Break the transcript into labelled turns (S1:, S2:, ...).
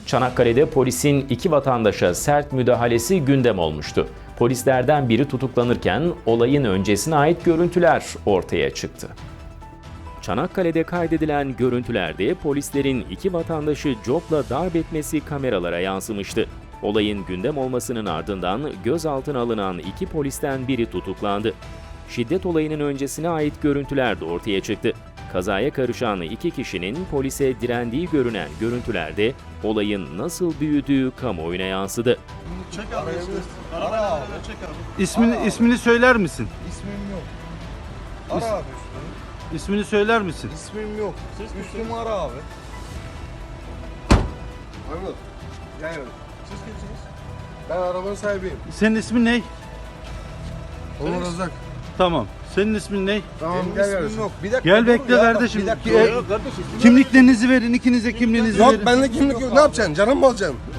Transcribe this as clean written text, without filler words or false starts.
S1: Çanakkale'de polisin iki vatandaşa sert müdahalesi gündem olmuştu. Polislerden biri tutuklanırken olayın öncesine ait görüntüler ortaya çıktı. Çanakkale'de kaydedilen görüntülerde polislerin iki vatandaşı copla darp etmesi kameralara yansımıştı. Olayın gündem olmasının ardından gözaltına alınan iki polisten biri tutuklandı. Şiddet olayının öncesine ait görüntüler de ortaya çıktı. Kazaya karışan iki kişinin polise direndiği görünen görüntülerde olayın nasıl büyüdüğü kamuoyuna yansıdı.
S2: Çek abi. Ara abi. Çek abi.
S3: İsmini söyler misin?
S2: İsmim yok. Ara abi üstünü.
S3: İsmini söyler misin?
S2: İsmim yok. Üstümü ara abi. Anladın? Yani. Siz kimsiniz? Ben arabanın sahibiyim.
S3: Senin ismin ne?
S2: Onur Özak.
S3: Tamam. Senin ismin ne?
S2: Tamam gel kardeşim. Yok. Bir dakika.
S3: Gel bekle kardeşim.
S2: Bir dakika.
S3: Kimliklerinizi verin. İkinize kimliğinizi
S2: Yok
S3: verin.
S2: bende kimlik yok. Ne yapacaksın? Canım mı alacaksın?